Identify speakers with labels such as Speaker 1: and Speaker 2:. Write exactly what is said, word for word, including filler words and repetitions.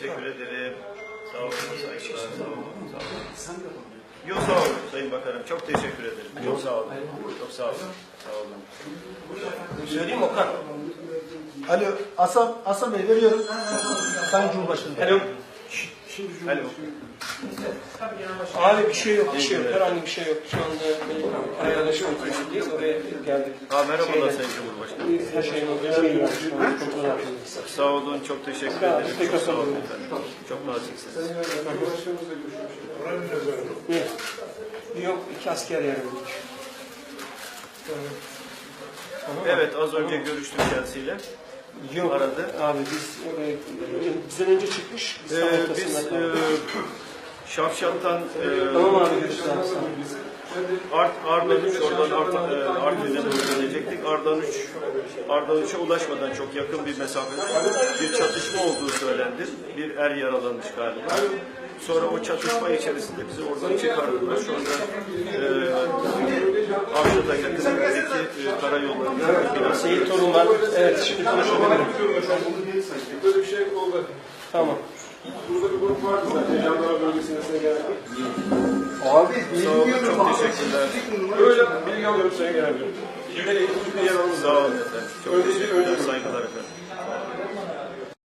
Speaker 1: teşekkür ederim. Sağ olun, saygılar, sağ olun. Sağ olun. Yok sağ olun Sayın Bakanım, çok teşekkür ederim. Çok sağ olun. Çok sağ olun. Sağ olun. Söyleyeyim Okan.
Speaker 2: Alo, Hasan, Hasan Bey veriyorum. Sayın Cumhurbaşkanım.
Speaker 1: Alo.
Speaker 2: Şimdi
Speaker 1: Alo.
Speaker 3: Abi bir şey yok, bir şey yok. Herhangi bir şey yok. Şu anda ayarlaşma oturuşundayız. Oraya geldik.
Speaker 1: Ha, merhabalar Sayın Cumhurbaşkanım.
Speaker 3: Her şeyin olduğu kontrol yapıyoruz.
Speaker 1: Sağ olun, çok teşekkür ederim. Çok sağ olun efendim. Çok naziksiniz.
Speaker 3: Yok, iki asker yaraladık.
Speaker 1: Evet, az önce görüştüm kendisiyle.
Speaker 3: Yok,
Speaker 1: aradı.
Speaker 3: abi biz oraya, bizden önce çıkmış. Biz,
Speaker 1: Ee, biz e, Şafşat'tan e,
Speaker 3: tamam abi, görüşürüz abi.
Speaker 1: Art, Ardahan üç, oradan Art, e, Artvin'e doğru dönecektik. Ardahan üç, Ardahan üç'e ulaşmadan çok yakın bir mesafede bir çatışma olduğu söylendi. Bir er yaralanmış galiba. Sonra o çatışma içerisinde bizi oradan çıkardılar. Sonra e, Avşat'a yakınındaki e, karayollarında biraz...
Speaker 3: Seyit Torun var. Evet, şimdi konuşabilirim.
Speaker 4: Böyle bir şey oldu.
Speaker 3: Tamam.
Speaker 4: Burada bir grup vardı zaten. Jandarma bölgesine geldik.
Speaker 2: Abi,
Speaker 1: Sağ olun, çok teşekkürler.
Speaker 4: Böyle bilgi alıyorum Sayın Genel Müdürüm.
Speaker 1: Sağ olun efendim. Çok teşekkürler, saygılar efendim.